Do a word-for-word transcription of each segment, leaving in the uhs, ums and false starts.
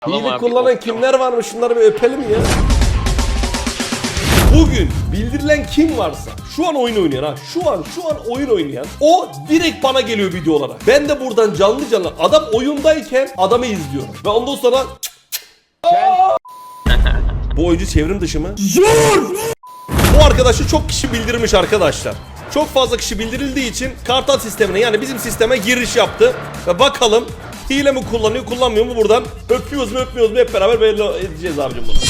Hile kullanan kimler varmış, şunları bir öpelim ya. Bugün bildirilen kim varsa şu an oyun oynayan ha şu an şu an oyun oynayan o direkt bana geliyor video olarak. Ben de buradan canlı canlı adam oyundayken adamı izliyorum ve ondan sonra bu oyuncu çevrim dışı mı? Zor! Bu arkadaşı çok kişi bildirmiş arkadaşlar. Çok fazla kişi bildirildiği için kartal sistemine yani bizim sisteme giriş yaptı ve bakalım hile mi kullanıyor kullanmıyor mu buradan öpüyoruz mu öpmüyoruz mu hep beraber belli edeceğiz abicim bunu.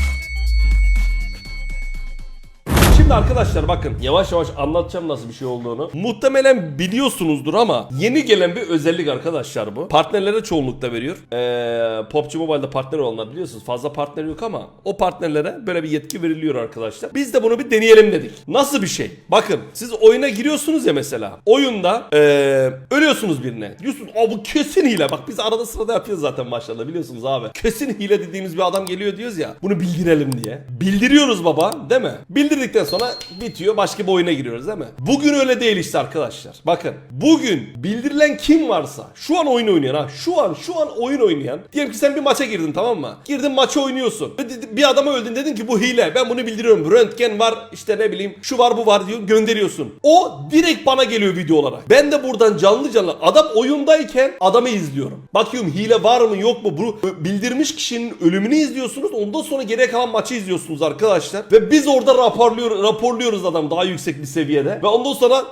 Şimdi arkadaşlar bakın yavaş yavaş anlatacağım nasıl bir şey olduğunu. Muhtemelen biliyorsunuzdur ama yeni gelen bir özellik arkadaşlar bu. Partnerlere çoğunlukla veriyor. Ee, P U B G Mobile'da partner olanlar biliyorsunuz. Fazla partner yok ama o partnerlere böyle bir yetki veriliyor arkadaşlar. Biz de bunu bir deneyelim dedik. Nasıl bir şey? Bakın siz oyuna giriyorsunuz ya mesela. Oyunda ee, ölüyorsunuz birine. Diyorsunuz aa bu kesin hile. Bak biz arada sırada yapıyoruz zaten maçlarda biliyorsunuz abi. Kesin hile dediğimiz bir adam geliyor diyoruz ya. Bunu bildirelim diye. Bildiriyoruz baba değil mi? Bildirdikten sonra sonra bitiyor başka bir oyuna giriyoruz değil mi? Bugün öyle değil işte arkadaşlar. Bakın bugün bildirilen kim varsa şu an oyun oynayan ha şu an şu an oyun oynayan diyelim ki sen bir maça girdin tamam mı? Girdin maça oynuyorsun. Bir adama öldün dedin ki bu hile ben bunu bildiriyorum. Röntgen var işte ne bileyim şu var bu var diyor gönderiyorsun. O direkt bana geliyor video olarak. Ben de buradan canlı canlı adam oyundayken adamı izliyorum. Bakıyorum hile var mı yok mu bu bildirmiş kişinin ölümünü izliyorsunuz. Ondan sonra geriye kalan maçı izliyorsunuz arkadaşlar. Ve biz orada raporluyoruz raporluyoruz adam daha yüksek bir seviyede ve ondan sonra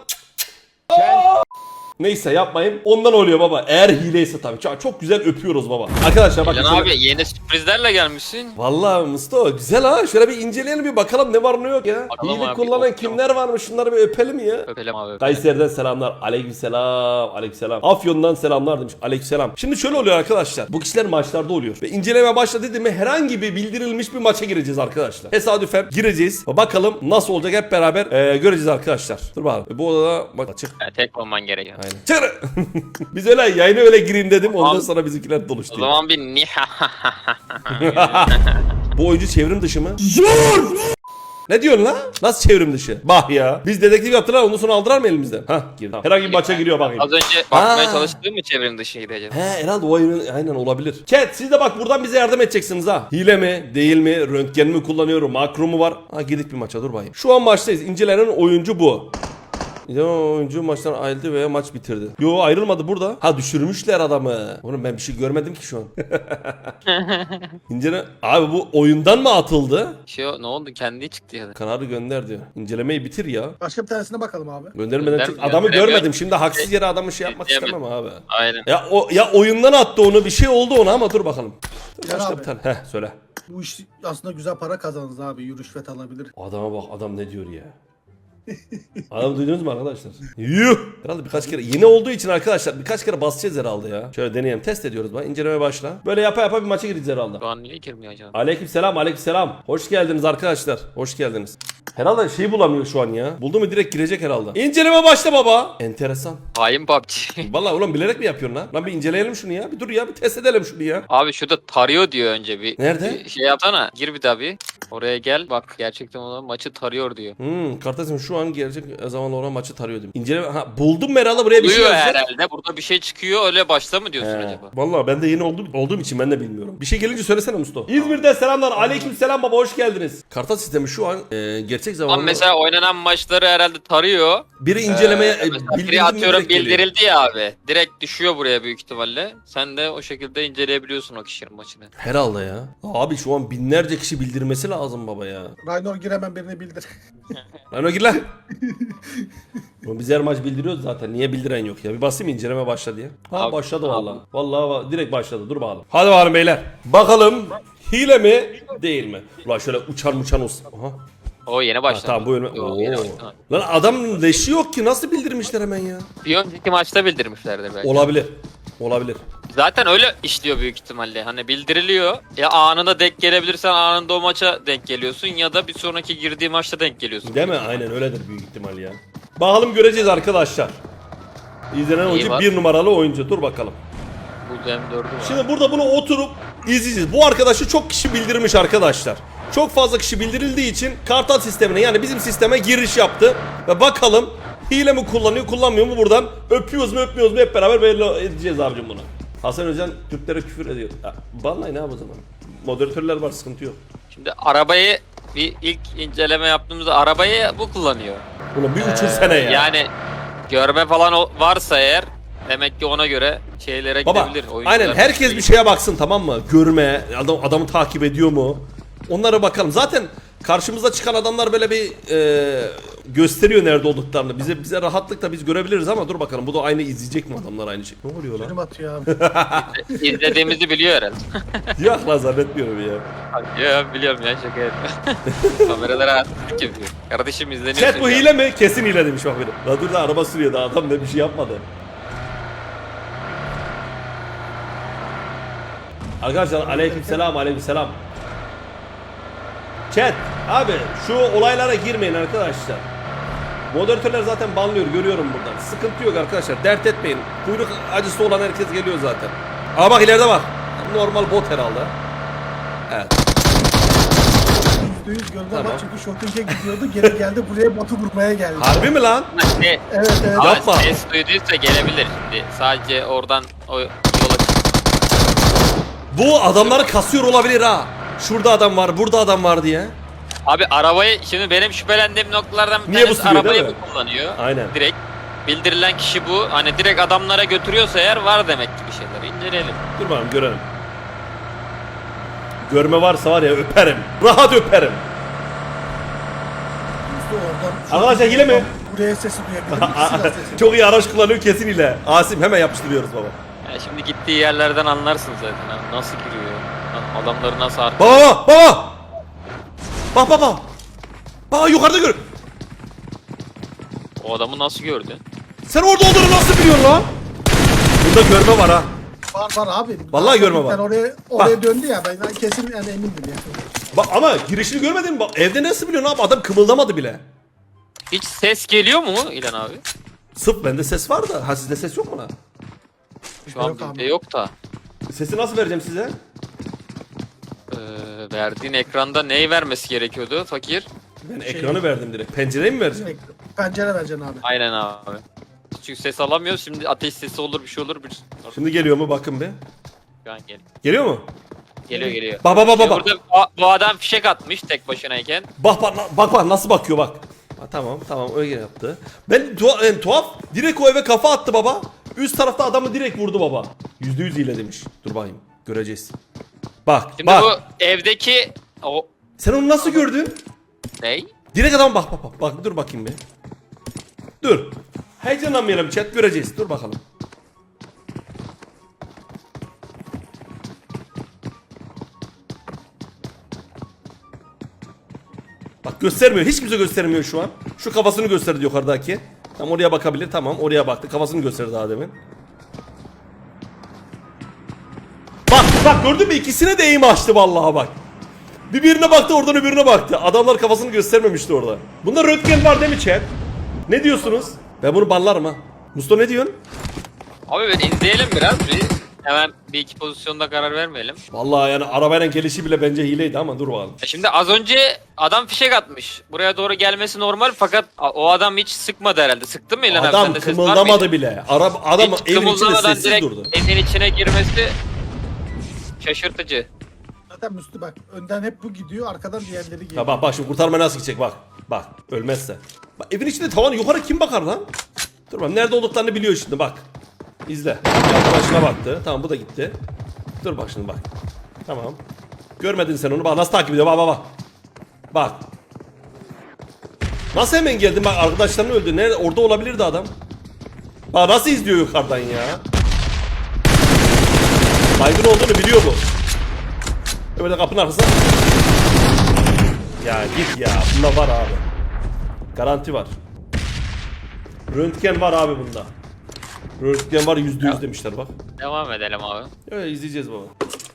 neyse yapmayın. Ondan oluyor baba. Eğer hileyse tabii. Çok, çok güzel öpüyoruz baba. Arkadaşlar bakın. Abi yeni sürprizlerle gelmişsin. Vallahi Mustafa güzel ha. Şöyle bir inceleyelim bir bakalım ne var ne yok ya. Bakalım Hile abi, kullanan yok, kimler varmış şunları bir öpelim ya. Öpelim abi. Öpelim. Kayseri'den selamlar. Aleykümselam. Aleykümselam. Afyon'dan selamlar demiş. Aleykümselam. Şimdi şöyle oluyor arkadaşlar. Bu kişiler maçlarda oluyor. Ve inceleme başladı dedi mi herhangi bir bildirilmiş bir maça gireceğiz arkadaşlar. Tesadüfen gireceğiz. Bakalım nasıl olacak hep beraber ee, göreceğiz arkadaşlar. Dur bakalım. Bu odada bak açık. Yani tek olman gerekiyor. Aynen. Çık. Biz öyle yayına öyle gireyim dedim. Ondan sonra bizimkiler doluştu. O zaman bir niha. Bu oyuncu çevrim dışı mı? Zor! Ne diyorsun lan? Nasıl çevrim dışı? Bah ya. Biz dedektif yaptılar ondan sonra aldılar mı elimizden? Hah girdi. Herhangi bir maça giriyor bakayım. Az önce bakmaya Ha. çalıştığım mı çevrim dışıydı acaba? He herhalde o oyun aynen olabilir. Chat siz de bak buradan bize yardım edeceksiniz ha. Hile mi? Değil mi? Röntgen mi kullanıyorum? Makro mu var? Ha girdik bir maça dur bakayım. Şu an maçtayız. İncelenen oyuncu bu. Yo, oyuncu maçtan ayrıldı veya maç bitirdi. Yo ayrılmadı burada. Ha düşürmüşler adamı. Oğlum ben bir şey görmedim ki şu an. İncele abi bu oyundan mı atıldı? Şey ne oldu kendi çıktı ya da. Kararı gönder diyor. İncelemeyi bitir ya. Başka bir tanesine bakalım abi. Göndermeden Gönder- çık. Adamı gönderemiyor. görmedim. Şimdi haksız yere adamı şey yapmak Diyemem. istemem abi. Aynen. Ya o ya oyundan attı onu bir şey oldu ona ama dur bakalım. Dur, Gel başka abi. bir tane. Heh söyle. Bu iş aslında güzel para kazanırız abi. Rüşvet alabilir. Adama bak adam ne diyor ya. Adam duydunuz mu arkadaşlar? Yuh! Herhalde birkaç kere yeni olduğu için arkadaşlar birkaç kere basacağız herhalde ya. Şöyle deneyelim test ediyoruz bak incelemeye başla. Böyle yapa yapa bir maça gireceğiz herhalde. Şu an niye girmiyor acaba? Aleykümselam aleykümselam. Hoş geldiniz arkadaşlar. Hoş geldiniz. Herhalde şeyi bulamıyor şu an ya. Buldu mu direkt girecek herhalde. İnceleme başla baba. Enteresan. Hain P U B G. Vallahi ulan bilerek mi yapıyorsun lan? Lan bir inceleyelim şunu ya. Bir dur ya bir test edelim şunu ya. Abi şurada tarıyor diyor önce bir. Nerede? Bir şey yapsana. Gir bir daha bir. Oraya gel bak gerçekten olan maçı tarıyor diyor. Hmm, Kartasim şu an gerçek zamanla olan maçı tarıyordum. İnceleme ha buldum herhalde buraya bir şey Duyuyor yazacak. herhalde. Burada bir şey çıkıyor öyle başla mı diyorsun He. acaba? Vallahi ben de yeni olduğum, olduğum için ben de bilmiyorum. Bir şey gelince söylesene Mustafa. İzmir'de selamlar. Aleykümselam baba hoş geldiniz. Kartal sistemi şu an e, gerçek zamanlı. Ama mesela oynanan maçları herhalde tarıyor. Biri incelemeye Ee, e, mesela bildirildi biri mi atıyorum direkt geliyor. bildirildi ya abi. Direkt düşüyor buraya büyük ihtimalle. Sen de o şekilde inceleyebiliyorsun o kişinin maçını. Herhalde ya. Abi şu an binlerce kişi bildirmesi lazım baba ya. Raynor giremem birini bildir. Lan o gir lan. Oğlum biz her maç bildiriyoruz zaten. Niye bildiren yok ya? Bir basayım inceleme başla diye. Ha Abi, başladı abi. vallahi. Vallahi va- direkt başladı. Dur bakalım. Hadi bakalım beyler. Bakalım hile mi değil mi? Ulan şöyle uçan uçan olsun. Aha. O yeni Ha, başladı. tamam bu ölme. Yok, Oo. yeni başladı. Lan adam leşi yok ki nasıl bildirmişler hemen ya? Bir önceki maçta bildirmişlerdi belki. Olabilir. Olabilir. Zaten öyle işliyor büyük ihtimalle. Hani bildiriliyor. Ya anında denk gelebilirsen anında o maça denk geliyorsun ya da bir sonraki girdiği maçta denk geliyorsun. Değil mi? Aynen öyledir büyük ihtimal ya. Bakalım göreceğiz arkadaşlar. İzlenen oyuncu var. bir numaralı oyuncu. Dur bakalım. Bu M dördü var. Şimdi burada bunu oturup izleyeceğiz. Bu arkadaşı çok kişi bildirmiş arkadaşlar. Çok fazla kişi bildirildiği için kartal sistemine yani bizim sisteme giriş yaptı. Ve bakalım hile mi kullanıyor kullanmıyor mu buradan öpüyoruz mu öpmüyoruz mu hep beraber belli edeceğiz abicim bunu. Hasan Özen Türklere küfür ediyor. Ya, banlayın abi o zaman. Moderatörler var, sıkıntı yok. Şimdi arabayı bir ilk inceleme yaptığımızda arabayı bu kullanıyor. Ulan bir Ee, uçursana ya. Yani görme falan o- varsa eğer demek ki ona göre şeylere Baba gidebilir. Oyuncular aynen herkes bir şeye baksın, tamam mı? Görme, adam adamı takip ediyor mu? Onlara bakalım. Zaten karşımıza çıkan adamlar böyle bir e, gösteriyor nerede olduklarını. Bize bize rahatlıkla biz görebiliriz ama dur bakalım, bu da aynı izleyecek mi adamlar aynı şey? Ne oluyor Benim lan? atıyor abi. izlediğimizi biliyor herhalde. Yok lan, zannetmiyorum ya. Ya biliyorum ya, şaka yapıyorum. Kameralara artistik yapıyor. Kardeşim izleniyor. Chat bu hile mi? Kesin hile demiş bak biri. La dur da araba sürüyor da adam ne bir şey yapmadı. Arkadaşlar aleykümselam aleykümselam. Chat abi şu olaylara girmeyin arkadaşlar. Moderatörler zaten banlıyor, görüyorum buradan. Sıkıntı yok arkadaşlar, dert etmeyin. Kuyruk acısı olan herkes geliyor zaten. Aa bak ileride bak. Normal bot herhalde. Evet. yüzde yüz görme Tamam. var çünkü shooting'e gidiyordu. Geri geldi buraya botu vurmaya geldi. Harbi mi lan? Ne? Evet evet. Ama Yapma. ses duyduysa gelebilir şimdi. Sadece oradan o yola çık. Bu adamları kasıyor olabilir ha. Şurada adam var, burada adam var diye. Abi arabayı, şimdi benim şüphelendiğim noktalardan bir Niye bu tanesi sürüyor, arabayı değil mi? bu kullanıyor. Aynen. Direkt. Bildirilen kişi bu. Hani direkt adamlara götürüyorsa eğer var demek ki bir şeyler. İnceleyelim. Dur bakalım görelim. Görme varsa var ya öperim. Rahat öperim. Yüzde oradan. Arkadaşlar hile mi? Buraya sesi duyabilirim. Silah sesi. Çok iyi araç kullanıyor kesin ile. Asim hemen yapıştırıyoruz baba. Ya şimdi gittiği yerlerden anlarsın zaten. Ha. Nasıl giriyor? Ha, Adamları nasıl artık? Baba baba. Bak bak bak. Bak yukarıda gör. O adamı nasıl gördü? Sen orada olduğunu nasıl biliyorsun lan? Burada görme var ha. Var var abi. Vallahi görme var. Ben oraya oraya döndü ya, ben kesin yani emindim ya. Bak ama girişini görmedin mi? Bak, evde nasıl biliyorsun abi? Adam kımıldamadı bile. Hiç ses geliyor mu İlhan abi? Sıp bende ses var da. Ha sizde ses yok mu lan? Şu an Yok abi. bizde yok da. Sesi nasıl vereceğim size? Ee, verdiğin ekranda neyi vermesi gerekiyordu fakir? Ben ekranı verdim direkt. Pencereyi mi vereceğim? Pencere vereceksin abi. Aynen abi. Çünkü ses alamıyoruz. Şimdi ateş sesi olur, bir şey olur. Bir... Şimdi geliyor mu? Bakın bir. Şu an gel. Geliyor mu? Geliyor geliyor. Bak bak bak Şimdi bak. burada bu, bu adam fişek atmış tek başınayken. Bak bak bak bak nasıl bakıyor bak. Ha, tamam tamam öyle yaptı. Ben tuha- en tuhaf direkt o eve kafa attı baba. Üst tarafta adamı direkt vurdu baba. Yüzde yüz hile demiş. Dur bakayım göreceğiz. Bak Şimdi bak. bu evdeki o Sen onu nasıl gördün? ney? Direkt adam bak bak bak. Bak dur bakayım bir. Dur. Heyecanlanmayalım chat, göreceğiz. Dur bakalım. Bak göstermiyor. Hiç kimse göstermiyor şu an. Şu kafasını gösterdi yukarıdaki. Tam oraya bakabilir. Tamam oraya baktı. Kafasını gösterdi daha demin. Bak bak gördün mü? İkisine de eğim açtı vallahi bak. Bir birine baktı, oradan öbürüne baktı. Adamlar kafasını göstermemişti orada. Bunda röntgen var değil mi chat? Ne diyorsunuz? Ben bunu banlarım ha. Mustafa ne diyorsun? Abi ben izleyelim biraz bir. Hemen bir iki pozisyonda karar vermeyelim. Vallahi yani arabayla gelişi bile bence hileydi ama dur bakalım. E Şimdi az önce adam fişek atmış. Buraya doğru gelmesi normal fakat a- o adam hiç sıkmadı herhalde. Sıktı mı İlhan abi? Adam Sende ses var kımıldamadı mıydı? bile. Araba adam Hiç evin içinde kımıldamadan sessiz direkt durdu. evin içine girmesi şaşırtıcı. Zaten Müslü bak, önden hep bu gidiyor, arkadan diğerleri geliyor. Ya bak bak şimdi kurtarma nasıl gidecek bak. Bak ölmezse. Bak evin içinde tavan yukarı kim bakar lan? Dur bak nerede olduklarını biliyor şimdi bak. İzle. Arkadaşına baktı. Tamam bu da gitti. Dur bak şimdi bak. Tamam. Görmedin sen onu. Bak nasıl takip ediyor. Bak bak bak. Bak. Nasıl hemen geldin bak, arkadaşlarını öldü. Nerede? Orada olabilirdi adam. Bak nasıl izliyor yukarıdan ya. Baygın olduğunu biliyor bu. Böyle kapının arkasında. Ya git ya. Bunda var abi. Garanti var. Röntgen var abi bunda. Röntgen var yüzde yüz demişler bak. Devam edelim abi. Öyle izleyeceğiz baba.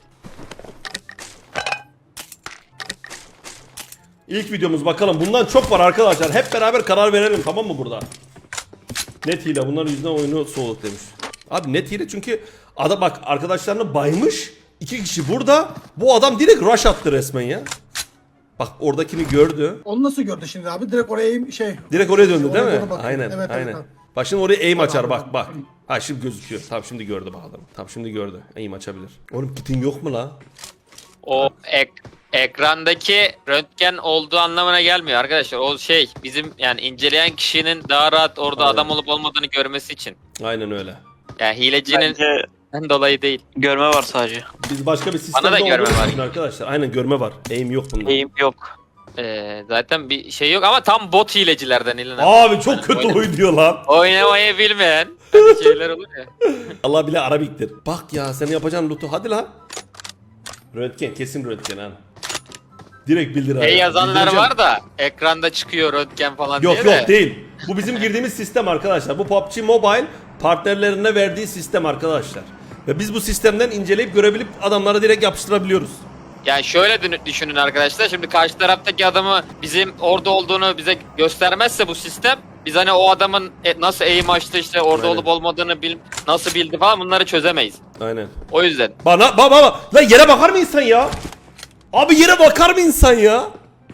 İlk videomuz bakalım. Bundan çok var arkadaşlar. Hep beraber karar verelim tamam mı burada? Net hile. Bunların yüzünden oyunu soğuduk demiş. Abi net hile çünkü adam bak arkadaşlarını baymış. İki kişi burada. Bu adam direkt rush attı resmen ya. Bak oradakini gördü. Onu nasıl gördü şimdi abi? Direkt oraya şey... Direkt oraya döndü değil Oraya mi? doğru bakıyor. Aynen Evet, evet, aynen. evet. Bak şimdi oraya aim açar bak bak. Ha şimdi gözüküyor. Tamam şimdi gördü bak adam. Tamam şimdi gördü. Aim açabilir. Oğlum kitin yok mu la? O ek, ekrandaki röntgen olduğu anlamına gelmiyor arkadaşlar. O şey bizim yani inceleyen kişinin daha rahat orada Aynen. adam olup olmadığını görmesi için. Aynen öyle. Yani hilecinin Bence dolayı değil. görme var sadece. Biz başka bir sistemde Bana da görme olduğumuz var. için arkadaşlar. Aynen görme var. Aim yok bunda. Eğim yok. Ee, zaten bir şey yok ama tam bot hilecilerden İlhan abi. Abi çok kötü Oyna- oynuyor lan. Oynamayı bilmeyen hani şeyler olur ya. Allah bile Arabiktir. Bak ya senin yapacağın loot'u hadi lan. Röntgen kesin röntgen ha. Direkt bildir abi. Şey yazanlar Bildireceğim. var da ekranda çıkıyor röntgen falan Yok diye yok de. değil. Bu bizim girdiğimiz sistem arkadaşlar. Bu P U B G Mobile partnerlerine verdiği sistem arkadaşlar. Ve biz bu sistemden inceleyip görebilip adamlara direkt yapıştırabiliyoruz. Yani şöyle dün- düşünün arkadaşlar. Şimdi karşı taraftaki adamı bizim orada olduğunu bize göstermezse bu sistem biz hani o adamın e- nasıl eğim açtı işte orada Aynen. olup olmadığını bil nasıl bildi falan bunları çözemeyiz. Aynen. O yüzden. Bana baba baba lan yere bakar mı insan ya? Abi yere bakar mı insan ya?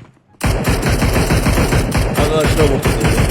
Arkadaşlar bu.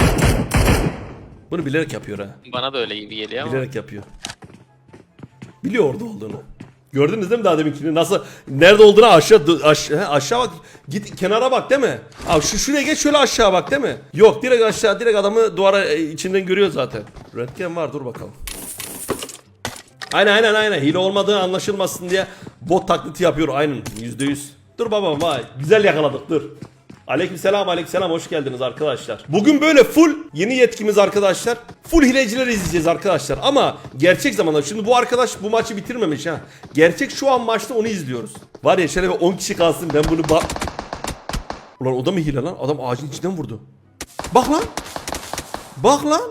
Bunu bilerek yapıyor ha. Bana da öyle gibi geliyor ama. Bilerek yapıyor. Biliyor orada olduğunu. Gördünüz değil mi daha deminkini? Nasıl nerede olduğunu aşağı aşağı, he, aşağı bak. Git kenara bak değil mi? Abi şu şuraya geç şöyle aşağı bak değil mi? Yok direkt aşağı direkt adamı duvara e, içinden görüyor zaten. Röntgen var dur bakalım. Aynen aynen aynen hile olmadığı anlaşılmasın diye bot taklidi yapıyor aynen yüzde yüz. Dur babam vay güzel yakaladık dur. Aleykümselam aleykümselam hoş geldiniz arkadaşlar. Bugün böyle full yeni yetkimiz arkadaşlar. Full hilecileri izleyeceğiz arkadaşlar ama gerçek zamanda şimdi bu arkadaş bu maçı bitirmemiş ha. Gerçek şu an maçta onu izliyoruz. Var ya şöyle bir on kişi kalsın ben bunu bak. Ulan o da mı hile lan? Adam ağacın içinden vurdu. Bak lan. Bak lan.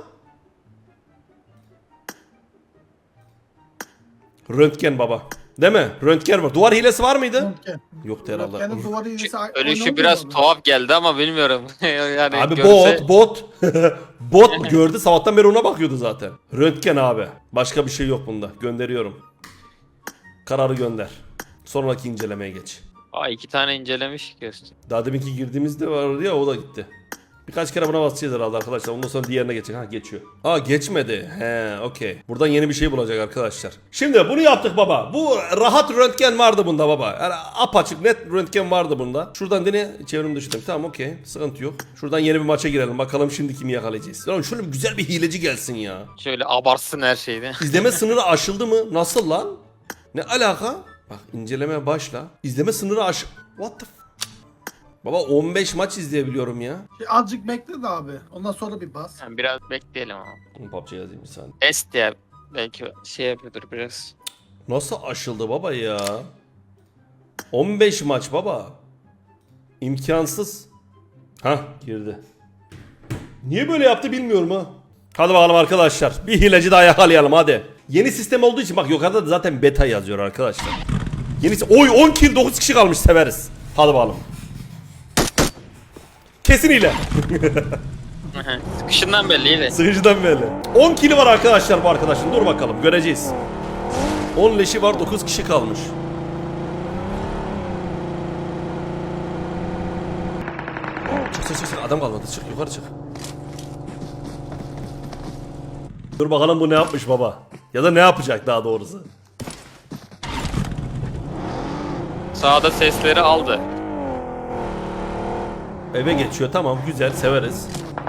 Röntgen baba. Değil mi? Röntgen var. Duvar hilesi var mıydı? Röntgen. Yoktu herhalde. Röntgenin duvarı iyisi Ölüşü biraz tuhaf geldi ama bilmiyorum. yani Abi görse- bot bot. Bot gördü sabahtan beri ona bakıyordu zaten. Röntgen abi. Başka bir şey yok bunda. Gönderiyorum. Kararı gönder. Sonraki incelemeye geç. Aa iki tane incelemiş göster. Daha deminki girdiğimizde vardı ya o da gitti. Birkaç kere buna basacağız herhalde arkadaşlar. Ondan sonra diğerine geçecek. Ha geçiyor. Aa geçmedi. He okey. Buradan yeni bir şey bulacak arkadaşlar. Şimdi bunu yaptık baba. Bu rahat röntgen vardı bunda baba. Yani apaçık net röntgen vardı bunda. Şuradan dene çevrim dışında. Tamam okey. Sıkıntı yok. Şuradan yeni bir maça girelim. Bakalım şimdi kimi yakalayacağız. Lan şöyle bir güzel bir hileci gelsin ya. Şöyle abartsın her şeyde. İzleme sınırı aşıldı mı? Nasıl lan? Ne alaka? Bak incelemeye başla. İzleme sınırı aş... What the f... Baba on beş maç izleyebiliyorum ya. Şey, azıcık bekle de abi. Ondan sonra bir bas. Yani biraz bekleyelim ama. P U B G yazayım bir saniye. Test ya. Belki şey yapıyordur biraz. Nasıl aşıldı baba ya? on beş maç baba. İmkansız. Hah girdi. Niye böyle yaptı bilmiyorum ha. Hadi bakalım arkadaşlar. Bir hileci daha yakalayalım hadi. Yeni sistem olduğu için bak yukarıda da zaten beta yazıyor arkadaşlar. Yenisi oy on kill dokuz kişi kalmış severiz. Hadi bakalım. Kesin hile. Sıkışından belliydi. Sıkıcıdan belli. on kili var arkadaşlar bu arkadaşın. Dur bakalım göreceğiz. on leşi var dokuz kişi kalmış. Çık çık çık çık. Adam kalmadı çık yukarı çık. Dur bakalım bu ne yapmış baba. Ya da ne yapacak daha doğrusu. Sağda sesleri aldı. Eve geçiyor tamam güzel severiz.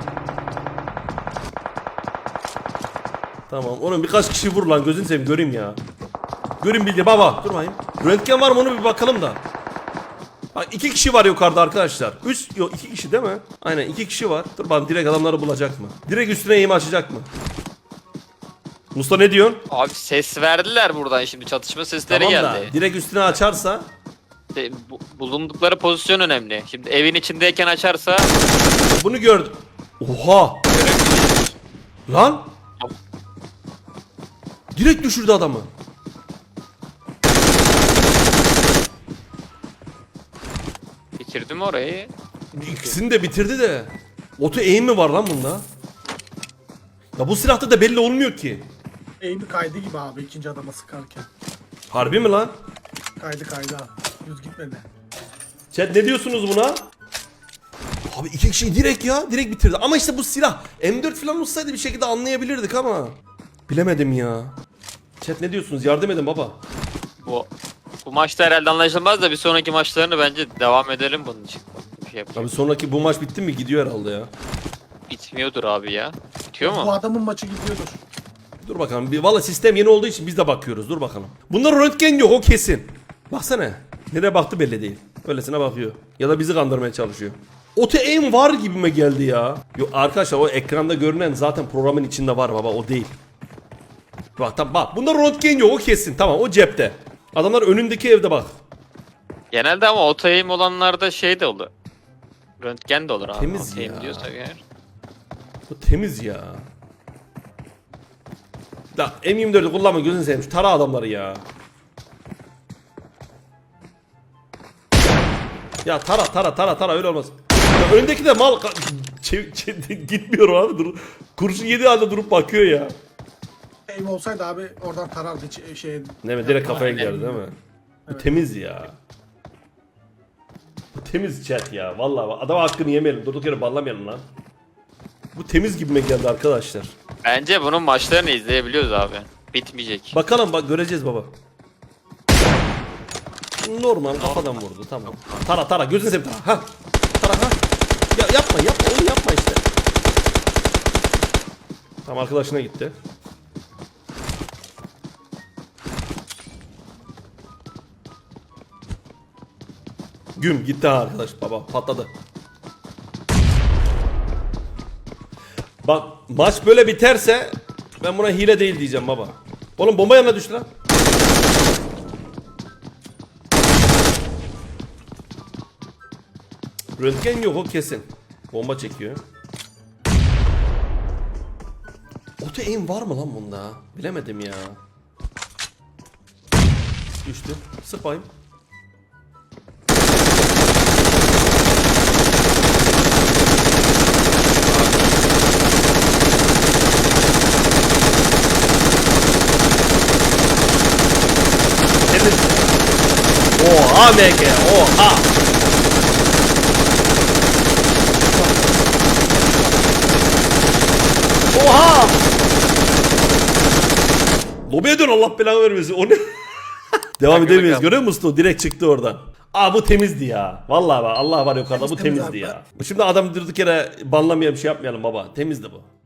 Tamam onun birkaç kişi vur lan gözünü seveyim göreyim ya. Göreyim bildi baba dur bakayım. Röntgen var mı onu bir bakalım da. Bak iki kişi var yukarıda arkadaşlar. Üç yok iki kişi değil mi? Aynen iki kişi var. Dur bakalım direkt adamları bulacak mı? Direkt üstüne eğim açacak mı? Musta ne diyorsun? Abi ses verdiler buradan şimdi çatışma sesleri Tamam geldi. da direkt üstüne açarsa. De, bu- bulundukları pozisyon önemli. Şimdi evin içindeyken açarsa Bunu gördüm. Oha. Lan. Direkt düşürdü adamı. bitirdi mi orayı? İkisini de bitirdi de. Oto aim mi var lan bunda? Ya bu silahta da belli olmuyor ki. Eğimi kaydı gibi abi ikinci adama sıkarken. Harbi mi lan? Kaydı kaydı abi. Düz gitmedi. Chat ne diyorsunuz buna? Abi iki kişiyi direkt ya direkt bitirdi. Ama işte bu silah M dört falan olsaydı bir şekilde anlayabilirdik ama. Bilemedim ya. Chat ne diyorsunuz? Yardım edin baba. Bu bu maçta herhalde anlaşılmaz da bir sonraki maçlarını bence devam edelim bunun için. Bir şey yapacak. Abi sonraki bu maç bitti mi? Gidiyor herhalde ya. Bitmiyordur abi ya. Bitiyor Bu mu? adamın maçı gidiyordur. Dur bakalım. Bir, valla sistem yeni olduğu için biz de bakıyoruz. Dur bakalım. Bunda röntgen yok o kesin. Baksana. Nereye baktı belli değil. Öylesine bakıyor. Ya da bizi kandırmaya çalışıyor. Oto aim var gibime geldi ya. Yok arkadaşlar o ekranda görünen zaten programın içinde var baba o değil. Bak tamam bak bunda röntgen yok o kesin tamam o cepte. Adamlar önündeki evde bak. Genelde ama otoyim olanlarda şey de olur. Röntgen de olur abi. Temiz Otoyim ya. diyorsak eğer. Bu temiz ya. Da M yirmi dördü kullanma gözünü seveyim. Şu tara adamları ya. Ya tara tara tara tara öyle olmaz. Ya öndeki de mal çev- çev- gitmiyor abi dur. Kurşun yedi halde durup bakıyor ya. Aim olsaydı abi oradan tarardı ç- şey. Değil mi? Direkt kafaya Aynen. giderdi değil mi? Bu Evet. temiz ya. Bu temiz chat ya. Vallahi adam hakkını yemeyelim. Durduk yere banlamayalım lan. Bu temiz gibime geldi arkadaşlar. Bence bunun maçlarını izleyebiliyoruz abi. Bitmeyecek. Bakalım bak göreceğiz baba. Normal kafadan vurdu tamam. Tara tara gözünü seveyim tara. Ha. Tara ha. Ya yapma yapma onu yapma işte. Tamam arkadaşına gitti. Güm gitti ha arkadaş baba patladı. Bak maç böyle biterse ben buna hile değil diyeceğim baba. Oğlum bomba yanına düştü lan. Röntgen yok o kesin. Bomba çekiyor. Auto aim var mı lan bunda? Bilemedim ya. Düştü. Sık bayım. Temiz. Oha M G. Oha. Oha! Lobiye dön Allah belanı vermesin. O ne? Devam Hadi edemeyiz. bakalım. Görüyor musun? O direkt çıktı oradan. Aa bu temizdi ya. Vallahi bak Allah var yukarıda bu Temiz, temiz temizdi abi. ya. Şimdi adam durduk yere banlamayalım bir şey yapmayalım baba. Temizdi bu.